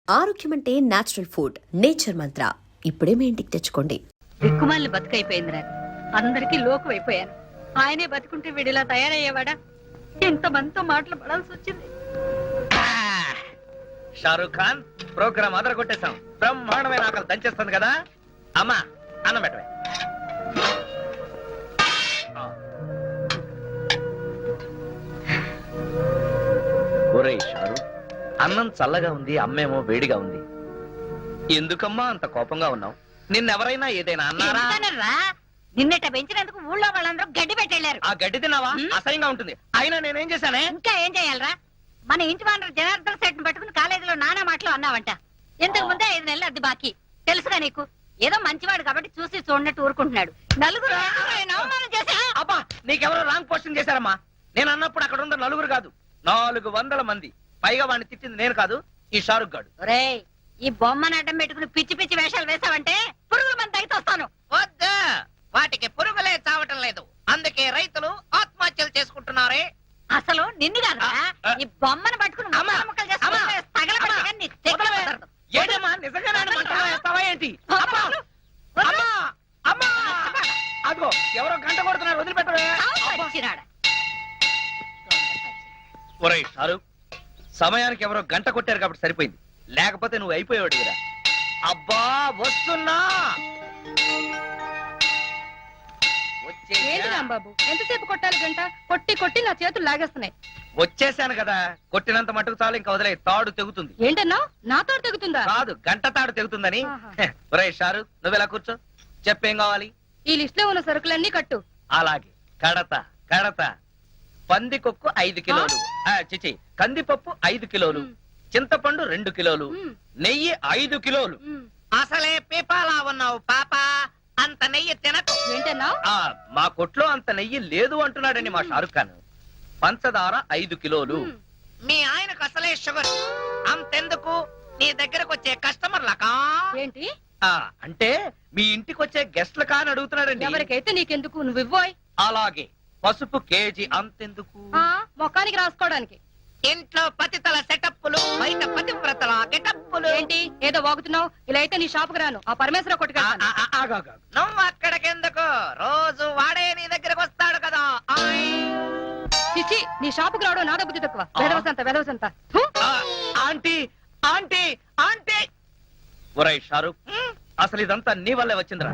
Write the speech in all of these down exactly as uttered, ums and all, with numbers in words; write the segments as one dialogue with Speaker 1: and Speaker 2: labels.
Speaker 1: ఆరోగ్యం అంటే natural food. Nature మంత్ర ఇప్పుడే మీ ఇంటికి తెచ్చుకోండి.
Speaker 2: దిక్కుమాలిన బతుకైపోయిందిరా. అందరికీ లోకు అయిపోయాను. ఆయనే బతుకుంటే వీడిలా తయారయ్యేవాడా? ఎంత మందితో మాటలు పడాల్సి వచ్చింది.
Speaker 3: షారూక్ ఖాన్ ప్రోగ్రామ్ అదర కొట్టేశాం. బ్రహ్మాండమైన ఆకలి దంచేస్తుంది కదా. అమ్మా అన్నం పెట్టవే. ఒరేయ్ షారూక్, అన్నం చల్లగా ఉంది, అమ్మేమో వేడిగా ఉంది. ఎందుకమ్మా అంత కోపంగా ఉన్నావు? నిన్నెవరైనా ఏదైనా అన్నారా?
Speaker 2: నిన్నట పెంచినందుకు ఊళ్ళో వాళ్ళందరూ గడ్డి పెట్టెళ్లారు.
Speaker 3: ఆ గడ్డి తిన్నావా? అసహ్యంగా ఉంటుంది. అయినా నేనేం చేశానే?
Speaker 2: ఇంకా ఏం చేయాలరా? మన ఇంటి వానరు జనార్దన్ సెట్ పట్టుకుని కాలేజీలో నానా మాటలు అన్నావంట. ఇంతకు ముందే ఐదు నెలలు అద్దె బాకీ. తెలుసుగా నీకు? ఏదో మంచివాడు కాబట్టి చూసి చూడనట్టు ఊరుకుంటున్నాడు. నలుగురు అవమానం చేశా.
Speaker 3: అబ్బా, నీకెవరో రాంగ్ పోస్టింగ్ చేశారమ్మా. నేను అన్నప్పుడు అక్కడ ఉన్న నలుగురు కాదు, నాలుగు వందల మంది. పైగా వాడిని తిట్టింది నేను కాదు, ఈ షారుఖ్ గాడు.
Speaker 2: ఒరేయ్, ఈ బొమ్మను అడ్డం పెట్టుకుని పిచ్చి పిచ్చి వేషాలు వేసావంటే పురుగుల మంది అయితే వస్తాను.
Speaker 3: వద్దా, వాటికి పురుగులే చావటం లేదు. అందుకే రైతులు ఆత్మహత్యలు చేసుకుంటున్నారే.
Speaker 2: అసలు నిన్ను కాదు, ఈ బొమ్మను పట్టుకుని ముక్కలు చేసుకుంటే తగలబెట్టగా నీ తెగ కుదరదు.
Speaker 3: ఏంటమ్మా, నిజంగా మంటలో వేస్తావా ఏంటి? అదిగో ఎవరో గంట కొడుతున్నారు, వదిలిపెట్టవే. ఒరేయ్ షారుఖ్, సమయానికి ఎవరో గంట కొట్టారు కాబట్టి సరిపోయింది, లేకపోతే నువ్వు అయిపోయాడు కదా. అబ్బా వస్తున్నా.
Speaker 2: ఏంటి రాంబాబు, ఎంతసేపు కొట్టాలి గంట? కొట్టి కొట్టి నా చేతులు లాగేస్తున్నాయి.
Speaker 3: వచ్చేసాను కదా, కొట్టినంత మటుకు చాలు, ఇంకా వదిలే. తాడు తెగుతుంది.
Speaker 2: ఏంటన్నా, నా తాడు తెగుతుందా?
Speaker 3: కాదు, గంట తాడు తెగుతుందని. ఒరేయ్ షారుఖ్, నువ్వెలా కూర్చో, చెప్పేం కావాలి?
Speaker 2: ఈ లిస్ట్ లో ఉన్న సరుకులన్నీ కట్టు.
Speaker 3: అలాగే, కడత కడత. పందికొక్కు ఐదు కిలోలు, చిచి కందిపప్పు ఐదు కిలోలు, చింతపండు రెండు కిలోలు, నెయ్యి ఐదు కిలోలు. అసలే పీపాలా ఉన్నావు పాప, అంత నెయ్యి తినకు.
Speaker 2: ఏంటన్నా?
Speaker 3: మా కొట్లో అంత నెయ్యి లేదు అంటున్నాడని మా షారుఖ్ ఖాన్. పంచదార ఐదు కిలోలు. మీ ఆయనకు అసలే షుగర్, అంతెందుకు నీ దగ్గరకు వచ్చే కస్టమర్లకా?
Speaker 2: ఏంటి
Speaker 3: అంటే మీ ఇంటికి వచ్చే గెస్ట్ల కాని అడుగుతున్నాడండి.
Speaker 2: ఎవరికైతే నీకెందుకు, నువ్వు ఇవ్వోయ్.
Speaker 3: అలాగే, పసుపు కేజీ అంతెందుకు?
Speaker 2: మొఖానికి రాసుకోవడానికి.
Speaker 3: ఇంట్లో పతితల సెటప్పులు, బయట పతివ్రతల గెటప్పులు.
Speaker 2: ఏంటి ఏదో వాగుతున్నావు? ఇలా అయితే నీ షాపుకు రాను, ఆ పరమేశ్వర కొట్టుకు.
Speaker 3: నువ్వు అక్కడికెందుకు, రోజు వాడే నీ దగ్గరకు వస్తాడు కదా.
Speaker 2: చిచి, నీ షాపుకు రావడం నాదో బుద్ధి తక్కువ. వెదవసంత వెదవసంత.
Speaker 3: Aunty aunty aunty. ఒరేయ్ షారుఖ్, అసలు ఇదంతా నీ వల్లే వచ్చిందిరా.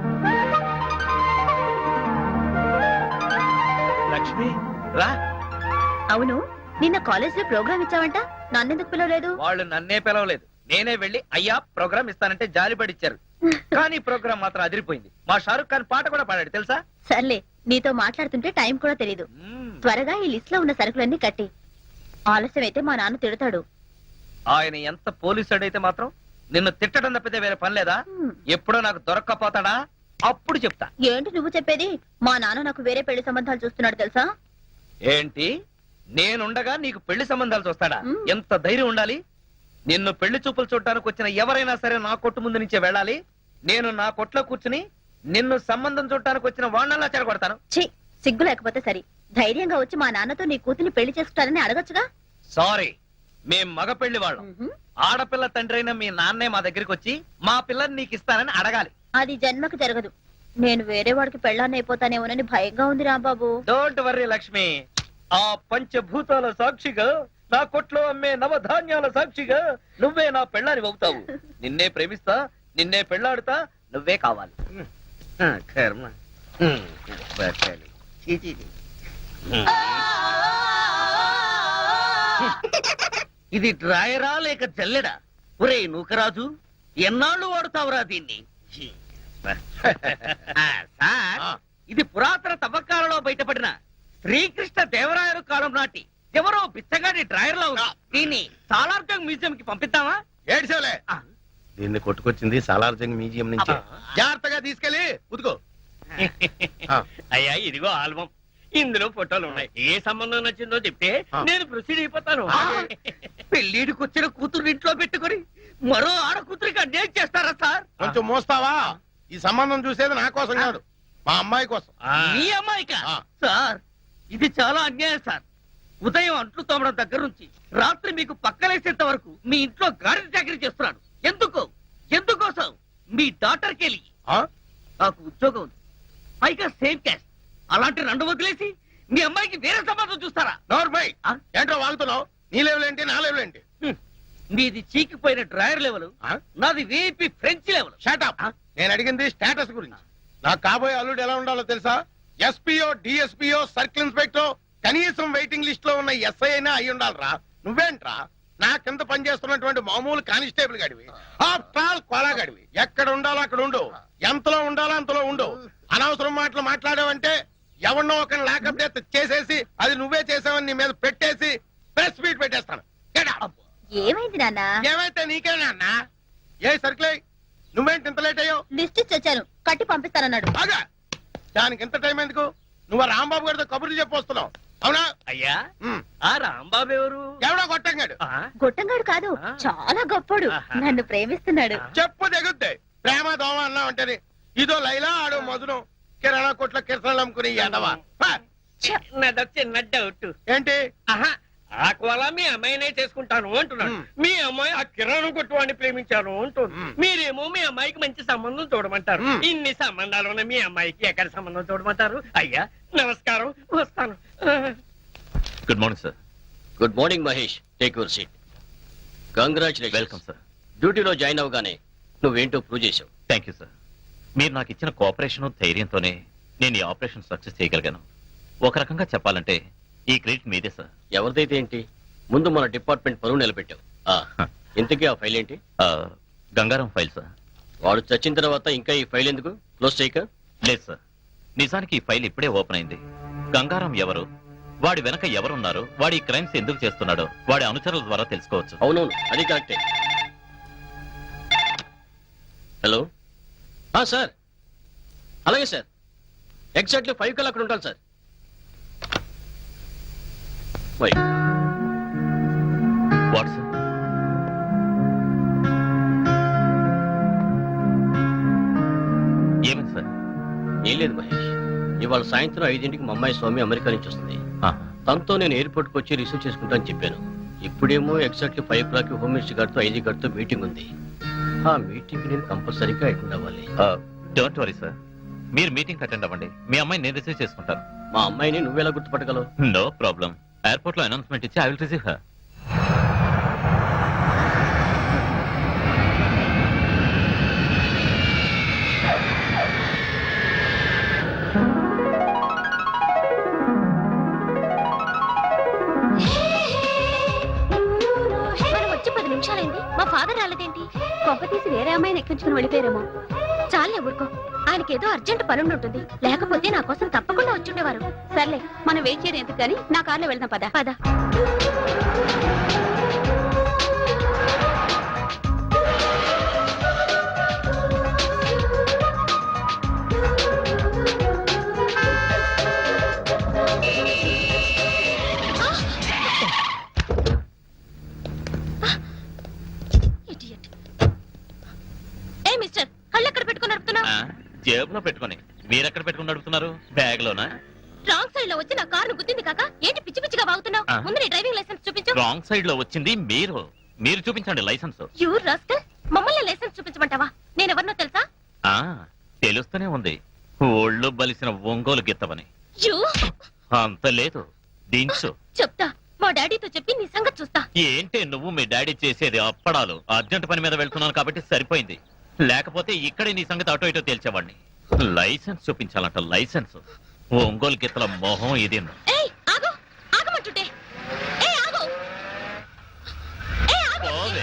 Speaker 3: లక్ష్మి రా.
Speaker 4: అవును, నిన్న కాలేజ్ లో ప్రోగ్రామ్ ఇచ్చావంట, నన్నెందుకు పిలవలేదు?
Speaker 3: వాళ్ళు నన్నే పిలవలేదు, నేనే వెళ్లి అయ్యా ప్రోగ్రామ్ ఇస్తానంటే జాలిపడిచ్చారు. కానీ ప్రోగ్రామ్ మాత్రం అదిరిపోయింది. మా షారుఖ్ ఖాన్ పాట కూడా పాడాడు తెలుసా?
Speaker 4: సర్లే, నీతో మాట్లాడుతుంటే టైం కూడా తెలీదు. త్వరగా ఈ లిస్ట్ లో ఉన్న సరుకులన్నీ కట్టి, ఆలస్యం అయితే మా నాన్న తిడతాడు.
Speaker 3: ఆయన ఎంత పోలీసుడైతే మాత్రం నిన్ను తిట్టడం తప్పితే వేరే పని లేదా? ఎప్పుడో నాకు దొరక్కపోతాడా? అప్పుడు చెప్తా.
Speaker 4: ఏంటి నువ్వు చెప్పేది? మా నాన్న నాకు వేరే పెళ్లి సంబంధాలు చూస్తున్నాడు తెలుసా?
Speaker 3: ఏంటి, నేనుండగా నీకు పెళ్లి సంబంధాలు చూస్తాడా? ఎంత ధైర్యం ఉండాలి! నిన్ను పెళ్లి చూపులు చూడటానికి వచ్చిన ఎవరైనా సరే నా కొట్టు ముందు నుంచే వెళ్ళాలి. నేను నా కొట్లో కూర్చుని నిన్ను సంబంధం చూడటానికి వచ్చిన వాణ్ణలా చెడగొడతాను.
Speaker 4: ఛీ, సిగ్గు లేకపోతే సరి. ధైర్యంగా వచ్చి మా నాన్నతో నీ కూతుర్ని పెళ్లి చేసుకుంటారని అడగచ్చుగా.
Speaker 3: సారీ, మేం మగ పెళ్లి వాళ్ళం. ఆడపిల్ల తండ్రి అయిన మీ నాన్నే మా దగ్గరికి వచ్చి మా పిల్లని నీకు ఇస్తానని అడగాలి.
Speaker 4: అది జన్మకు జరగదు. నేను వేరే వాడికి పెళ్ళాన్ని అయిపోతానేమోనని భయంగా ఉంది రాంబాబు.
Speaker 3: డోంట్ వర్రీ లక్ష్మి, ఆ పంచభూతాల సాక్షిగా, నా కొట్లో అమ్మే నవధాన్యాల సాక్షిగా నువ్వే నా పెళ్ళాని అవుతావు. నిన్నే ప్రేమిస్తా, నిన్నే పెళ్ళాడుతా, నువ్వే కావాలి. కర్మ.
Speaker 5: ఇది డ్రాయరా లేక జల్లెడా? ఒరే నూకరాజు, ఎన్నాళ్ళు వాడుతావురా దీన్ని? సార్, ఇది పురాతన తవ్వకాలలో బయటపడిన శ్రీకృష్ణ దేవరాయలు కాలం నాటి ఎవరో బిచ్చగాడి డ్రాయర్ లో ఉంది. దీన్ని సాలార్జంగ్ మ్యూజియం కి పంపిద్దామా?
Speaker 6: ఏడ్చేవలే, దీన్ని కొట్టుకొచ్చింది సాలార్జంగ్ మ్యూజియం నుంచి. జాగ్రత్తగా తీసుకెళ్ళి ఉతుకో.
Speaker 5: అయ్యా, ఇదిగో ఆల్బం, ఇందులో ఫోటోలు ఉన్నాయి. ఏ సంబంధం నచ్చిందో చెప్తే నేను ప్రొసీడ్ అయిపోతాను. పెళ్లిడికి వచ్చిన కూతురు ఇంట్లో పెట్టుకుని మరో ఆడ కూతురికి అన్యాయం చేస్తారా సార్?
Speaker 6: కొంచెం మోస్తావా? ఈ సంబంధం చూసేది నా కోసం కాదు, మా అమ్మాయి కోసం.
Speaker 5: మీ అమ్మాయికా? సార్, ఇది చాలా అన్యాయం సార్. ఉదయం అంట్లు తోమడం దగ్గర నుంచి రాత్రి మీకు పక్కలేసేంత వరకు మీ ఇంట్లో గాడి చాకరీ చేస్తున్నాడు. డాటర్ కెలి
Speaker 6: ఆ?
Speaker 5: నాకు ఉద్యోగం ఉంది, పైగా సేమ్ క్యాస్ట్. అలాంటి రెండు వదిలేసి మీ అమ్మాయికి వేరే సంబంధం చూస్తారా?
Speaker 6: నోర్మై
Speaker 5: ఆ?
Speaker 6: ఏంట్రా వాగుతున్నావు? నీ లెవెల్ ఏంటి, నా లెవెల్ ఏంటి?
Speaker 5: హ్మ్. మీది చీకిపోయిన డ్రాయర్ లెవెల్,
Speaker 6: ఆ?
Speaker 5: నాది వీపీ ఫ్రెంచ్ లెవెల్.
Speaker 6: షాటప్.
Speaker 5: ఆ?
Speaker 6: నేను అడిగింది స్టేటస్ గురించి. నాకు కాబోయే అల్లుడు ఎలా ఉండాలో తెలుసా? ఎస్పీఓ, డిఎస్పీఓ, సర్కిల్ ఇన్స్పెక్టర్, కనీసం వెయిటింగ్ లిస్ట్ లో ఉన్న ఎస్ఐ అయినా అయి ఉండాలిరా. నువ్వేంట్రా నా కింద పనిచేస్తున్నటువంటి మామూలు కానిస్టేబుల్ గడివి, ఆఫ్టర్ ఆల్ కోలా గడివి. ఎక్కడ ఉండాలో అక్కడ ఉండు, ఎంతలో ఉండాలో అంతలో ఉండు. అనవసరం మాటలు మాట్లాడావంటే ఎవరినో ఒక లాకప్ డెత్ చేసేసి అది నువ్వే చేసావని నీ మీద పెట్టేసి ప్రెస్ మీట్ పెట్టేస్తాను. Get out.
Speaker 4: ఏమైంది నాన్న?
Speaker 6: ఏమైతే నీకేనా అన్నా? ఏ సర్కిల్ నువ్వేంటి ఇంత లేట్ అయ్యావు?
Speaker 4: లిస్ట్ ఇచ్చి వచ్చాను, కట్టి పంపిస్తానన్నాడు.
Speaker 6: బాగా దానికి ఎంత టైం ఎందుకు? నువ్వు ఆ రాంబాబు గారితో కబుర్లు చెప్పొస్తున్నావు అవునా?
Speaker 5: అయ్యా,
Speaker 6: ఉమ్.
Speaker 5: ఆ రాంబాబు ఎవరు?
Speaker 6: ఎవడో కొట్టంగాడు.
Speaker 5: ఆ?
Speaker 4: గొట్టంగాడు కాదు,
Speaker 5: ఆ.
Speaker 4: చాలా గొప్పోడు.
Speaker 5: ఆహా.
Speaker 4: నన్ను ప్రేమిస్తున్నాడు.
Speaker 5: ఆ.
Speaker 6: చెప్పు తెగుద్ది. ప్రేమ దోమ అన్నావు అంటేనే ఇదో లైలా ఆడో మధురం కిరాణా కొట్ల కిరసనాలు అమ్ముకుని ఎదవా. పా.
Speaker 5: నాది చిన్న డౌట్.
Speaker 6: ఏంటి?
Speaker 5: ఆహా, ఆ కోల మీ అమ్మాయినే చేసుకుంటాను అంటున్నాడు.
Speaker 6: మ్.
Speaker 5: మీ అమ్మాయి ఆ కిరాణం కొట్టువాడిని ప్రేమించాను అంటుంది.
Speaker 6: మ్.
Speaker 5: మీరేమో మీ అమ్మాయికి మంచి సంబంధం చూడమంటారు.
Speaker 6: మ్.
Speaker 5: ఇన్ని సంబంధాలు ఉన్న మీ అమ్మాయికి ఎక్కడ సంబంధం చూడమంటారు? అయ్యా నమస్కారం, వస్తాను.
Speaker 7: Good morning sir.
Speaker 8: Good morning Mahesh, take your seat. Congratulation.
Speaker 7: Welcome sir.
Speaker 8: డ్యూటీలో జాయిన్ అవగానే నువ్వేంటో ప్రూవ్ చేసావు.
Speaker 7: Thank you sir. మీరు నాకు ఇచ్చిన కోఆపరేషన్ ధైర్యంతోనే నేను ఈ ఆపరేషన్ సక్సెస్ చేయగలిగాను. ఒక రకంగా చెప్పాలంటే ఈ క్రెడిట్ మీదే సార్.
Speaker 8: ఎవరిదైతే ఏంటి, ముందు మన డిపార్ట్మెంట్ పరువు నిలబెట్టావు. ఆ, ఇంతకీ ఆ ఫైల్ ఏంటి?
Speaker 7: ఆ, గంగారం ఫైల్ సార్.
Speaker 8: వాడు చచ్చిన తర్వాత ఇంకా ఈ ఫైల్ ఎందుకు క్లోజ్ చేయక?
Speaker 7: లేదు సార్, నిజానికి ఈ ఫైల్ ఇప్పుడే ఓపెన్ అయింది. గంగారం ఎవరు, వాడి వెనక ఎవరున్నారు, వాడి క్రైమ్స్ ఎందుకు చేస్తున్నాడో వాడి అనుచరుల ద్వారా తెలుసుకోవచ్చు.
Speaker 8: అవునవును, అది కరెక్టే. హలో సార్, అలాగే సార్, ఎగ్జాక్ట్లీ ఫైవ్ కల్లా అక్కడ ఉంటాను సార్. Why
Speaker 7: what sir? ఏమైంది సార్?
Speaker 8: ఏం లేదు మహేష్, ఇవాళ సాయంత్రం ఐదింటికి మా అమ్మాయి స్వామి అమెరికా నుంచి వస్తుంది.
Speaker 7: ఆ,
Speaker 8: తనతో నేను ఎయిర్పోర్ట్ కి వచ్చి రిసీవ్ చేసుకుంటాను చెప్పాను. ఇప్పుడేమో exactly five o'clock home minister గారితో ఐజీ గారితో మీటింగ్ ఉంది. ఆ మీటింగ్ నేను కంపల్సరీగా అటెండ్ అవ్వాలి.
Speaker 7: డోంట్ వరీ సార్, మీరు మీటింగ్ అటెండ్ అవ్వండి. మీ అమ్మాయి నేను రిసీవ్ చేసుకుంటాను.
Speaker 8: మా అమ్మాయిని నువ్వెలా గుర్తుపట్టగలవు?
Speaker 7: No problem. ఎయిర్పోర్ట్ లో అనౌన్స్మెంట్ ఇచ్చి ఐ విల్ రిసీవ్ హర్.
Speaker 4: మనం వచ్చి పది నిమిషాలైంది, మా ఫాదర్ రాలేదేంటి? కొంప తీసి వేరే అమ్మాయిని ఎక్కించుకుని వెళ్ళిపోయారేమో. చాలే ఊరుకో, ఆయనకి ఏదో అర్జెంట్ పని ఉంటుంది. లేకపోతే నా కోసం తప్పకుండా వచ్చుండేవారు. సర్లే, మనం వెయిట్ చేయడం ఎందుకు కానీ నా కార్లో వెళ్దాం. పద పద. Idiot. ఏ మిస్టర్, కళ్ళు ఎక్కడ పెట్టుకుని నడుపుతున్నావు?
Speaker 7: ఆ, జేబులో పెట్టుకొని. మీరెక్కడ పెట్టుకుని నడుపుతున్నారు? బ్యాగ్ లోనా?
Speaker 4: రాంగ్ సైడ్ లో వచ్చి నా కారు గుద్దింది కాక ఏంటి పిచ్చి పిచ్చిగా వాగుతున్నావు?
Speaker 7: ఆ.
Speaker 4: ముందు నీ డ్రైవింగ్ లైసెన్స్ చూపించు.
Speaker 7: రాంగ్ సైడ్ లో వచ్చింది మీరు. మీరు చూపించండి లైసెన్స్.
Speaker 4: యూ రాస్కల్, మమ్మల్ని లైసెన్స్ చూపించమంటావా? నేను ఎవరినో తెలుసా?
Speaker 7: ఆ, తెలుస్తూనే ఉంది, ఒళ్ళు బలిసిన ఒంగోలు గిత్తవని.
Speaker 4: యూ
Speaker 7: అంత లేదు, దించు.
Speaker 4: చెప్తా, మా డాడీతో చెప్పి నీ సంగతి చూస్తా.
Speaker 7: ఏంటి నువ్వు మీ డాడీ చేసేది? అప్పడాలు. అర్జెంట్ పని మీద వెళ్తున్నాను కాబట్టి సరిపోయింది, లేకపోతే ఇక్కడే నీ సంగతి అటో ఇటో తేల్చేవాడిని. లైసెన్స్ చూపించాలంట, లైసెన్స్. ఒంగోలు గిత్తల మొహం ఇది.
Speaker 4: ఏయ్ ఆగు, ఆగమంటుంటే. ఏయ్ ఆగు, ఏయ్ ఆగు.
Speaker 7: పోవే.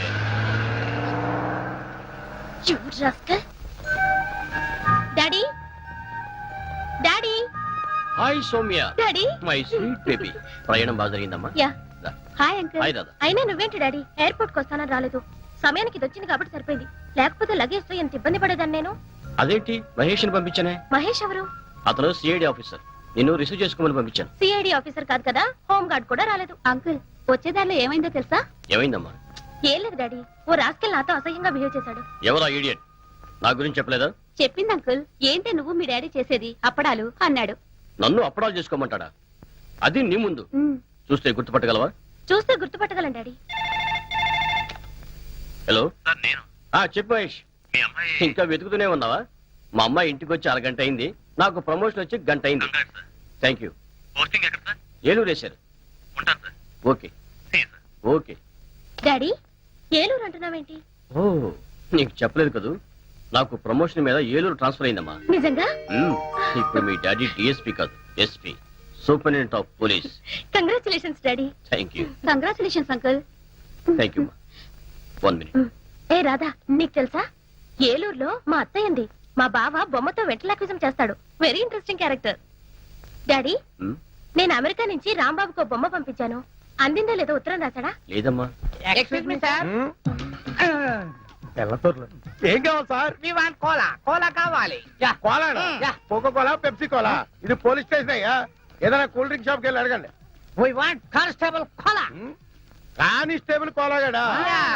Speaker 4: You rascal. Daddy, daddy,
Speaker 8: hi Soumya,
Speaker 4: daddy.
Speaker 8: My sweet baby. ప్రయాణం బాగా జరిగిందమ్మా?
Speaker 4: యా.
Speaker 8: రా.
Speaker 4: Hi uncle.
Speaker 8: హాయ్ దాదా.
Speaker 4: అయినా నువ్వేంటి డాడీ ఎయిర్పోర్ట్ కి వస్తానని రాలేదు? సమయానికి ఇది వచ్చింది కాబట్టి సరిపోయింది, లేకపోతే లగేజ్ తో ఎంత ఇబ్బంది పడేదాన్ని నేను.
Speaker 8: అదేంటి మహేష్ ని పంపించానే?
Speaker 4: మహేష్ ఎవరు?
Speaker 8: అతను సిఐడి ఆఫీసర్, నిన్ను రిసీవ్ చేసుకోమని పంపించాను.
Speaker 4: సిఐడి ఆఫీసర్ కాదు కదా, హోమ్ గార్డ్ కూడా రాలేదు. అంకుల్, వచ్చేదారిలో ఏమైందో తెలుసా?
Speaker 8: ఏమైందమ్మా?
Speaker 4: ఏం లేదు డాడీ, ఓ రాస్కెల్ నాతో అసహ్యంగా బిహేవ్ చేశాడు.
Speaker 8: ఎవరా ఈడియట్? నా గురించి చెప్పలేదా?
Speaker 4: చెప్పింది అంకుల్, ఏంటే నువ్వు మీ డాడీ చేసేది అప్పడాలు అన్నాడు.
Speaker 8: నన్ను అప్పడాలు చేసుకోమంటాడా? అది నీ ముందు
Speaker 4: ఉమ్,
Speaker 8: చూస్తే గుర్తుపట్టగలవా?
Speaker 4: చూస్తే గుర్తుపట్టగలను డాడీ.
Speaker 8: హలో,
Speaker 7: నేను
Speaker 8: ఆ చెప్పు మహేష్.
Speaker 7: మీ అమ్మాయి
Speaker 8: ఇంకా వెతుకుతూనే ఉన్నావా? మా అమ్మాయి ఇంటికి వచ్చి అరగంట అయింది. నాకు ప్రమోషన్ వచ్చి గంట అయింది.
Speaker 7: Congrats sir.
Speaker 8: Thank you.
Speaker 7: Posting ఎక్కడ సార్?
Speaker 8: ఏలూరు వేశారు.
Speaker 7: ఉంటాను sir.
Speaker 8: Okay
Speaker 7: see you sir.
Speaker 8: Okay.
Speaker 4: Daddy Eluru అంటున్నావేంటి?
Speaker 8: ఓ నీకు చెప్పలేదు కదూ, నాకు ప్రమోషన్ మీద ఏలూరు ట్రాన్స్ఫర్ అయిందమ్మా.
Speaker 4: నిజంగా?
Speaker 8: మ్మ్. ఇప్పుడు మీ డాడీ డిఎస్పీ కాదు, SP, superintendent of police.
Speaker 4: Congratulations daddy.
Speaker 8: Thank you.
Speaker 4: Congratulations uncle.
Speaker 8: Thank you. One minute.
Speaker 4: ఏ రాధా, నీకు తెలుసా ఏలూరులో మా అత్తయ్య ఉంది. మా బావ బొమ్మతో వెంటలాక్విజం చేస్తాడు. Very interesting character. డాడీ
Speaker 8: మ్మ్.
Speaker 4: నేను అమెరికా నుంచి రాంబాబుకు ఓ బొమ్మ పంపించాను. అందిందో లేదో ఉత్తరం రాశాడా?
Speaker 8: లేదమ్మా.
Speaker 2: ఎక్స్క్యూజ్ మీ సార్,
Speaker 6: తెల్లతోర్లు ఏం కావాలి sir?
Speaker 2: We want Kola. Kola కావాలి.
Speaker 6: Kola
Speaker 2: yeah.
Speaker 6: Coca-Cola, Pepsi cola. ఇది పోలీస్ స్టేషన్ అయ్యా, ఏదైనా కూల్ డ్రింక్ షాప్కి వెళ్ళి అడగండి.
Speaker 2: We want constable Kola.
Speaker 6: Um, constable కోలాగాడా?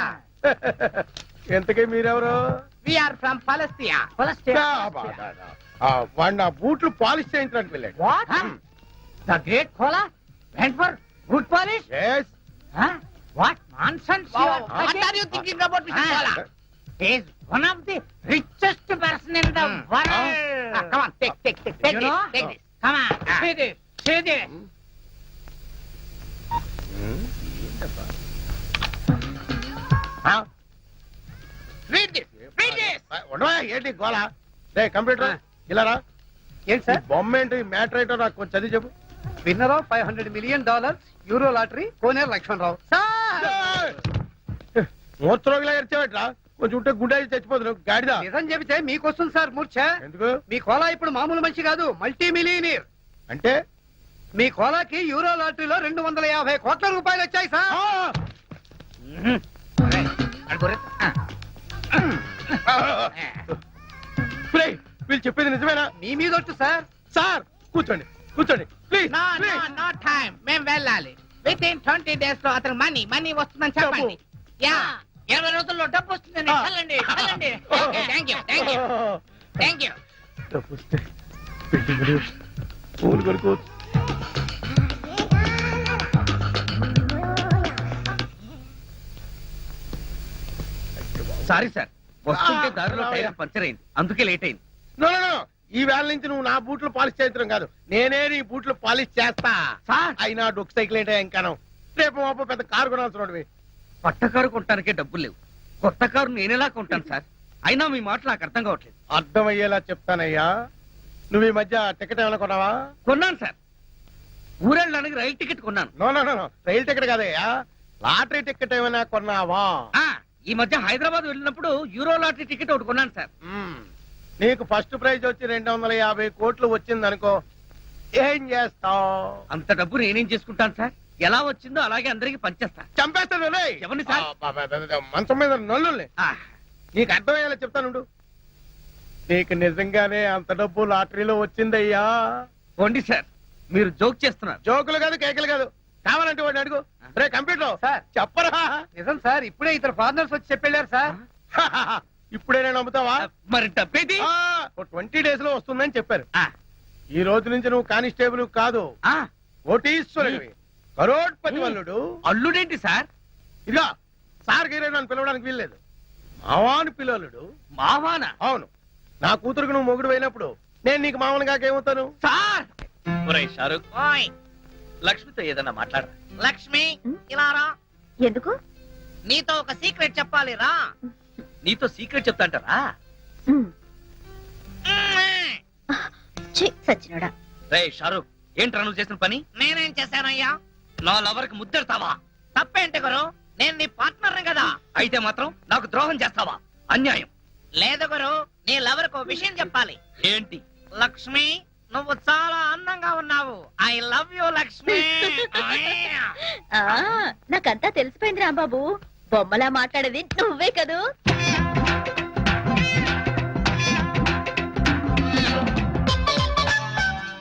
Speaker 6: ఎంతకీ మీరెవరు?
Speaker 2: We are from Palestine.
Speaker 6: ఆ, బా, బా, బా. ఆ, వాడు నా బూట్లు పాలిష్ చేయించడానికి వెళ్ళాడు.
Speaker 2: What? The great Kola went for good polish.
Speaker 6: Yes.
Speaker 2: What nonsense you are talking. What are you thinking about mister Kola? He is one of the richest person in the world. Ah, come on, take, take, take, take this, take this. Come on, see this, see this.
Speaker 6: ఆ,
Speaker 2: Read this, read this.
Speaker 6: ఉండవా? ఏంటి గోలా? రే computer ఇలా రా.
Speaker 9: ఏంటి
Speaker 6: ఈ
Speaker 9: sir?
Speaker 6: బొమ్మ ఏంటి, మ్యాటర్ ఏంటో నాకు కొంచెం చదివి చెప్పు.
Speaker 9: Winner of five hundred million dollars euro lottery Koneru Lakshman Rao.
Speaker 6: మూర్చరోగిలా ఎరిచేవట్రా? కొంచెం ఉంటే గుండె అయి చచ్చిపోతున్నావు గాడిదా.
Speaker 9: నిజం చెబితే మీకు వస్తుంది సార్ మూర్ఛ.
Speaker 6: ఎందుకు?
Speaker 9: మీ కోలా ఇప్పుడు మామూలు మనిషి కాదు, మల్టీ మిలియనీర్.
Speaker 6: అంటే
Speaker 9: మీ కోలాకి యూరో లాటరీలో రెండు వందల యాభై కోట్ల రూపాయలు వచ్చాయి సార్.
Speaker 6: ఆ! ప్రేయ్, వీళ్ళు చెప్పేది నిజమేనా?
Speaker 9: మీ మీద ఒట్టు సార్.
Speaker 6: సార్ కూర్చోండి, కూర్చోండి please.
Speaker 2: No, no,
Speaker 6: please.
Speaker 2: no time. మేము వెళ్ళాలి. విత్ ఇన్ ట్వంటీ డేస్ లో అతను మనీ మనీ వస్తుందని చెప్పండి. యా, ఇరవై రోజుల్లో డబ్బు వస్తుందని
Speaker 6: ఆ.
Speaker 2: చల్లండి, చల్లండి. Okay, thank you, thank you, thank you.
Speaker 6: డబ్బు వస్తే బిల్డింగులు, పూలు కొనుక్కోవచ్చు.
Speaker 3: సారీ సార్, వస్తుంటే దారిలో టైర్ పంచర్ అయింది, అందుకే లేట్ అయింది.
Speaker 6: No, no, no. ఈ వేళ నుంచి నువ్వు నా బూట్లు పాలిష్ చేయించడం కాదు, నేనే నీ బూట్లు పాలిష్ చేస్తా.
Speaker 3: సార్,
Speaker 6: అయినా డొక్ సైకిల్ ఏంటో ఇంకాను. రేపు మాపో పెద్ద కారు కొనాల్సిన
Speaker 3: పట్ట కారు కొనటానికే డబ్బులు లేవు, కొత్త కారు నేనెలా కొంటాను సార్? అయినా మీ మాట నాకు అర్థం కావట్లేదు.
Speaker 6: అర్థమయ్యేలా చెప్తానయ్యా. నువ్వు ఈ మధ్య టికెట్ ఏమైనా కొన్నావా?
Speaker 3: కొన్నాను సార్, ఊరెళ్ళడానికి రైలు టికెట్ కొన్నాను.
Speaker 6: No, no, no, no. రైలు టికెట్ కాదయ్యా, లాటరీ టికెట్ ఏమైనా కొన్నావా?
Speaker 3: ఆ, ఈ మధ్య హైదరాబాద్ వెళ్ళినప్పుడు యూరో లాటరీ టికెట్ ఒకటి కొన్నాను సార్.
Speaker 6: మ్మ్. నీకు ఫస్ట్ ప్రైజ్ వచ్చి రెండు వందల యాభై కోట్లు వచ్చింది అనుకో, ఏం చేస్తావు?
Speaker 3: అంత డబ్బు నేనేం చేసుకుంటాను సార్? ఎలా వచ్చిందో అలాగే అందరికి పంచేస్తా.
Speaker 6: చంపేస్తాను రేయ్.
Speaker 3: ఎవరిని సార్?
Speaker 6: ఆ, బా, బా, బా, బా, మంచం మీద నల్లుల్ని.
Speaker 3: ఆ,
Speaker 6: నీకు అర్థమయ్యేలా చెప్తానుండు. నీకు నిజంగానే అంత డబ్బు లాటరీలో వచ్చిందయ్యా.
Speaker 3: పోండి సార్, మీరు జోక్ చేస్తున్నారు.
Speaker 6: జోకులు కాదు, కేకలు కాదు. కావాలంటే వాడిని అడుగు. రే కంప్యూటర్
Speaker 9: సార్.
Speaker 6: చెప్పరా?
Speaker 9: నిజం సార్, ఇప్పుడే ఇద్దరు ఫారినర్స్ వచ్చి చెప్పెళ్ళారు సార్.
Speaker 6: ఇప్పుడే నేను నమ్ముతావా?
Speaker 3: మరి డబ్బేది?
Speaker 6: ట్వంటీ డేస్ లో వస్తుందని చెప్పారు.
Speaker 3: ఆ,
Speaker 6: ఈ రోజు నుంచి నువ్వు కానిస్టేబుల్ కాదు,
Speaker 3: ఆ,
Speaker 6: కోటీశ్వరుడివి, కరోడ్పతి వల్లుడు.
Speaker 3: అల్లుడేంటి సార్?
Speaker 6: ఇదిగా సార్ గీరే నన్ను పిలవడానికి వీల్లేదు, మావాని పిల్లలుడు.
Speaker 3: మావాన?
Speaker 6: అవును, నా కూతురుకు నువ్వు మొగుడు అయినప్పుడు నేను నీకు మామూలుగా ఏమవుతాను?
Speaker 3: సార్,
Speaker 7: ఒరేయ్ షారుఖ్,
Speaker 2: ఓయ్
Speaker 7: లక్ష్మితో ఏదన్నా మాట్లాడరా.
Speaker 2: లక్ష్మి, ఇలా రా.
Speaker 4: ఎందుకు?
Speaker 2: నీతో ఒక సీక్రెట్ చెప్పాలి, రా.
Speaker 7: నీతో సీక్రెట్ చెప్తాంటారా?
Speaker 4: సచ్చినోడా.
Speaker 7: రే షారుఖ్, ఏంట్రా నువ్వు చేసిన పని?
Speaker 2: నేనేం చేశానయ్యా?
Speaker 7: నా లవర్కి ముద్దెడతావా?
Speaker 2: తప్పేంటి గురు, నేను నీ పార్ట్నర్ కదా.
Speaker 7: అయితే మాత్రం నాకు ద్రోహం చేస్తావా? అన్యాయం.
Speaker 2: లేదు గురు, నీ లవర్ కు విషయం చెప్పాలి.
Speaker 7: ఏంటి?
Speaker 2: లక్ష్మి, నువ్వు చాలా అందంగా ఉన్నావు. I love you Lakshmi.
Speaker 4: నాకంతా తెలిసిపోయింది రాంబాబు. బొమ్మలా మాట్లాడేది నువ్వే కదూ.